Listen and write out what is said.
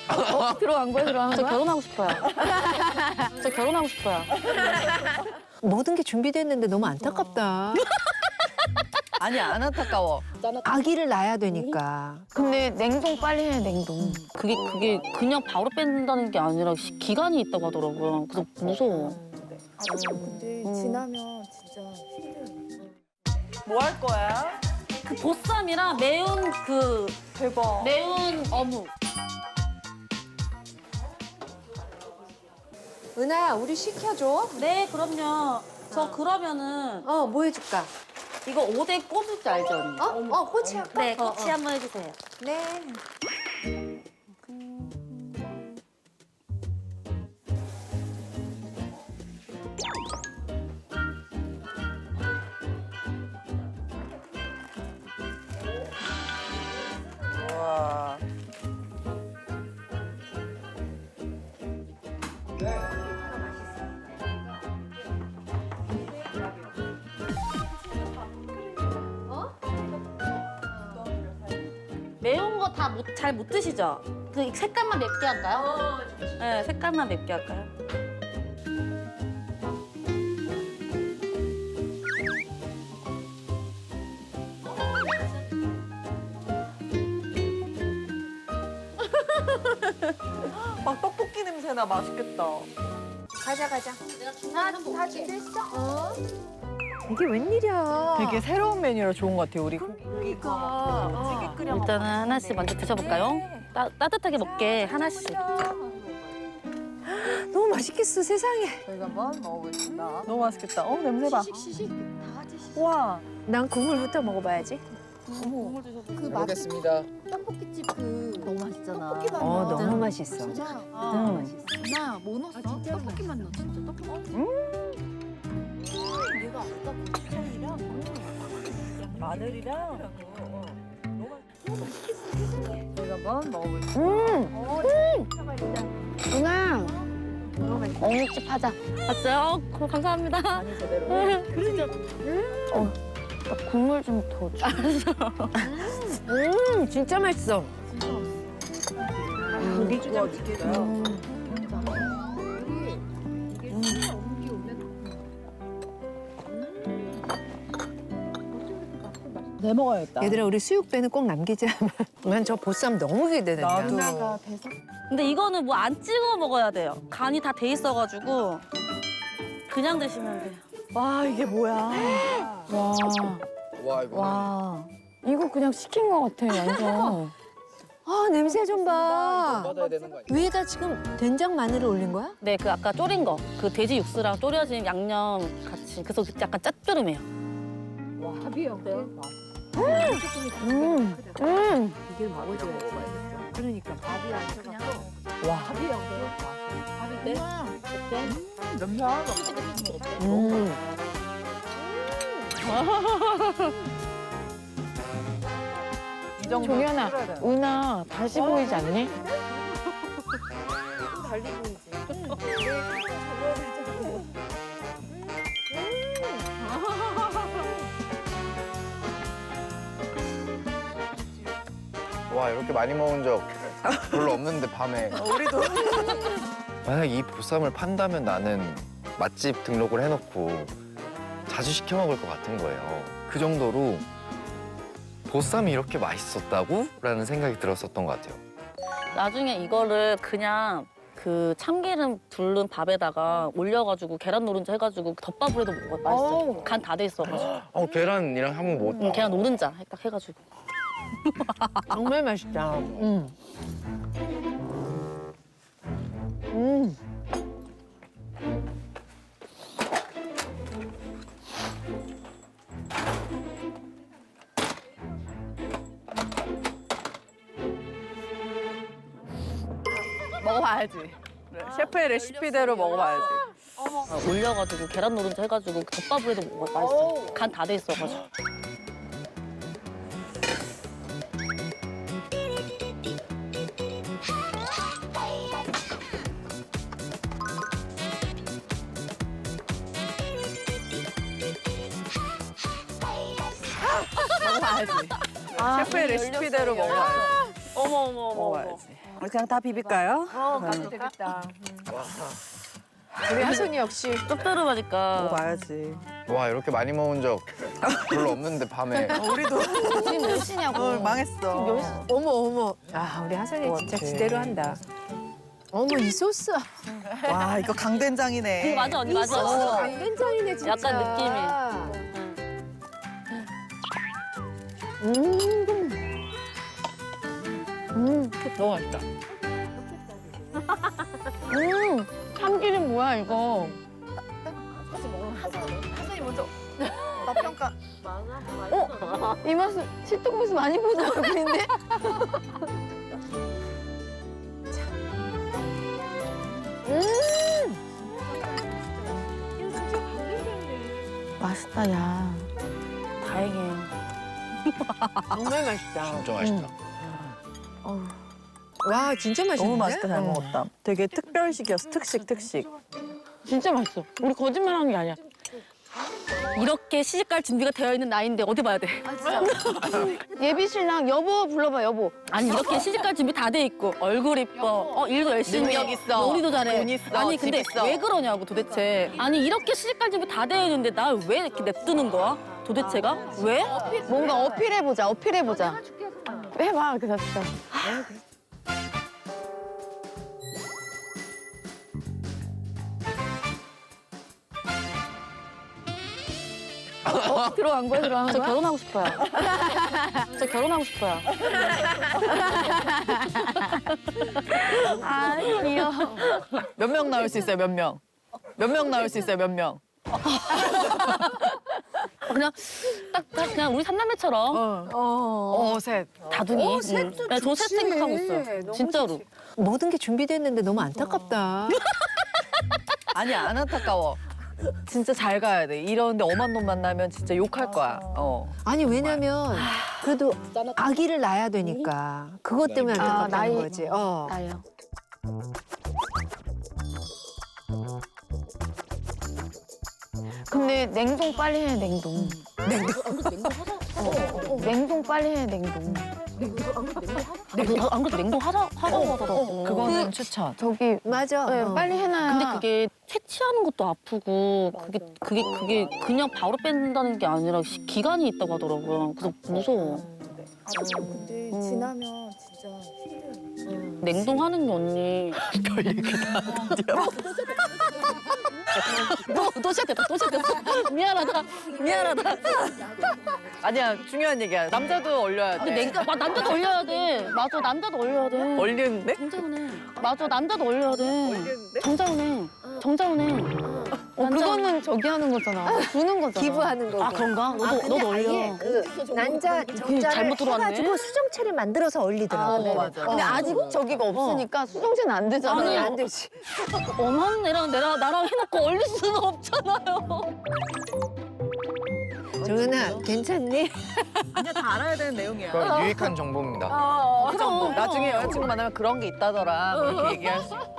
들어간 거야, 들어간 저 거야? 결혼하고 싶어요. 저 결혼하고 싶어요. 모든 게 준비됐는데 너무 안타깝다. 아니 안 안타까워. 아기를 낳아야 되니까. 근데 냉동 빨리 해, 냉동. 그게 그냥 바로 뺀다는 게 아니라 기간이 있다고 하더라고요. 그래서 무서워. 근데 지나면 진짜 힘들어. 뭐 할 거야? 그 보쌈이랑 매운 대박. 매운 어묵. 은하야, 우리 시켜줘. 네, 그럼요. 저 그러면은 뭐 해줄까? 이거 5대 꼬부지 알죠, 언니? 꼬치 할까? 네, 꼬치 한번 해주세요. 네. 와. 매운 거 다 잘 못 드시죠? 그 색깔만 맵게 할까요? 네, 색깔만 맵게 할까요? 막 떡볶이 냄새나 맛있겠다. 가자. 다 준비했어? 이게 아. 웬일이야. 되게 새로운 메뉴라 좋은 것 같아요. 우리 고기가 찌개 끓여 먹. 일단은 하나씩 먼저 드셔볼까요? 따뜻하게 먹게 하나씩. 너무 맛있겠어, 세상에. 저희가 한번 먹어보겠습니다. 너무 맛있겠다. 냄새 봐. 시식 다 드시죠. 와. 난 국물부터 먹어봐야지. 그 먹겠습니다. 떡볶이집 그 너무 맛있잖아. 떡볶이 맛. 너무 맛있어. 진짜. 나뭐 넣었어? 떡볶이만 넣어 진짜 떡볶이. 얘가 아까 고추장이랑 마늘이랑. 저희가 한번 먹어보겠습니다. 은하. 어묵집 하자. 봤어요? 감사합니다. 간이 제대로. 국물 좀 더 줘. 진짜 맛있어. 고기가 느껴요. 내 먹어야겠다. 얘들아, 우리 수육배는 꼭 남기자. 난 저 보쌈 너무 기대된다. 나도. 근데 이거는 뭐 안 찍어 먹어야 돼요. 간이 다 돼 있어가지고 그냥 드시면 돼요. 와 이게 뭐야? 와, 와 이거 와. 이거 그냥 시킨 거 같아, 완전. 냄새 좀 봐. 받아야 되는 거 아니야? 위에다 지금 된장 마늘을 올린 거야? 네, 그 아까 졸인 거, 그 돼지 육수랑 졸여진 양념 같이. 그래서 약간 짭조름해요. 이게 먹어줘야지. 그러니까 밥이 안 쳐갖고. 와. 냄새 하나도 없어. 이 정도 종현아, 끓여야 되나? 은하 다시 보이지 않니? 달리 보이지. 와 이렇게 많이 먹은 적 별로 없는데 밤에 우리도 만약 이 보쌈을 판다면 나는 맛집 등록을 해놓고 자주 시켜 먹을 것 같은 거예요. 그 정도로 보쌈이 이렇게 맛있었다고? 라는 생각이 들었었던 것 같아요. 나중에 이거를 그냥 그 참기름 둘른 밥에다가 올려가지고 계란 노른자 해가지고 덮밥으로 해도 먹어요. 맛있어요. 간 다 돼 있어가지고. 계란이랑 한번 못. 계란 노른자 딱 해가지고. 정말 맛있다. 먹어봐야지. 셰프의 레시피대로 먹어봐야지. 올려가지고 계란 노른자 해가지고 덮밥으로 해도 먹어요. 맛있어요. 간 다 돼 있어가지고. 먹어봐야지. 셰프의 레시피대로 먹어봐야지. 먹어야지. 우리 그냥 다 비빌까요? 가도 되겠다. 우리 하순이 역시 짭조름하니까. 먹어봐야지. 와 이렇게 많이 먹은 적 별로 없는데 밤에. 우리도 지금 몇 시냐고. 망했어. 어머 어머. 아 우리 하순이 진짜 지대로 한다. 어머 이 소스. 와 이거 강된장이네. 맞아 언니 맞아. 강된장이네 진짜. 약간 너무 맛있다. 참기름 뭐야 이거? 하선이 먼저. 맛평가. 이 맛은 시트콤에서 많이 보던 얼굴인데? 맛있다 야. 다행이에요. 정말 맛있다. 진짜 맛있다. 와 진짜 맛있는데? 너무 맛있다 잘 먹었다. 되게 특별식이었어. 특식. 진짜 맛있어. 우리 거짓말하는 게 아니야. 이렇게 시집갈 준비가 되어 있는 나이인데 어디 봐야 돼? 아 진짜. 예비 신랑 여보 불러봐 여보. 아니 이렇게 시집갈 준비 다 돼 있고 얼굴 이뻐, 일도 열심히 해, 능력 있어, 요리도 잘해. 돈 있어, 아니 집 근데 있어. 왜 그러냐고 도대체. 아니 이렇게 시집갈 준비 다 되어 있는데 나 왜 이렇게 냅두는 거야? 도대체가 왜? 뭔가 어필해보자 어필해보자. 해봐 그래서 진짜. 들어간 거야 들어간 저 거야? 결혼하고 싶어요. 저 결혼하고 싶어요. 아 귀여워. 몇 명 나올 수 있어요? 몇 명? 몇 명 나올 수 있어요? 몇 명? 그냥 딱 그냥 우리 삼남매처럼 셋. 다둥이. 셋도 네, 저셋 좋지. 생각하고 있어요. 너무 진짜로. 모든 게 준비됐는데 너무 안타깝다. 아니 안 안타까워. 진짜 잘 가야 돼. 이런데 엄한 놈 만나면 진짜 욕할 거야. 아니 왜냐면 그래도 아기를 낳아야 되니까 그것 때문에 안타깝다는 나이. 거지. 나요. 근데 냉동 빨리 해 냉동. 냉동 빨리 해 냉동. 안 그래도 냉동 하자고 하더라고. 그거는 추천. 저기 맞아. 네, 빨리 해놔야. 근데 그게 채취하는 것도 아프고 그게 그냥 바로 뺀다는 게 아니라 기간이 있다고 하더라고요. 그래서 무서워. 근데 지나면 진짜 힘들어. 냉동하는 게 언니. 별 얘기다. 또 시작됐다. 미안하다. 아니야 중요한 얘기야. 남자도 얼려야 돼. 근데 남자도 얼려야 돼. 맞아, 남자도 얼려야 돼. 얼리는데? 정자은해. 맞아, 남자도 얼려야 돼. 얼리는데? 정자은해. 그거는 저기 하는 거잖아. 주는 거잖아. 기부하는 거고. 아 그런가? 너도 얼려. 아예 그 난자 정자를 잘못 들어왔네. 해가지고 수정체를 만들어서 얼리더라고. 네. 맞아. 근데 아직 저기가 없으니까 수정제는 안 되잖아. 아니, 안 되지. 엄한 애랑 나랑 해놓고 얼릴 수는 없잖아요. 정은아 괜찮니? 그냥 다 알아야 되는 내용이야. 그건 유익한 정보입니다. 그럼. 나중에 여자친구 만나면 그런 게 있다더라. 이렇게 얘기할 수 있고.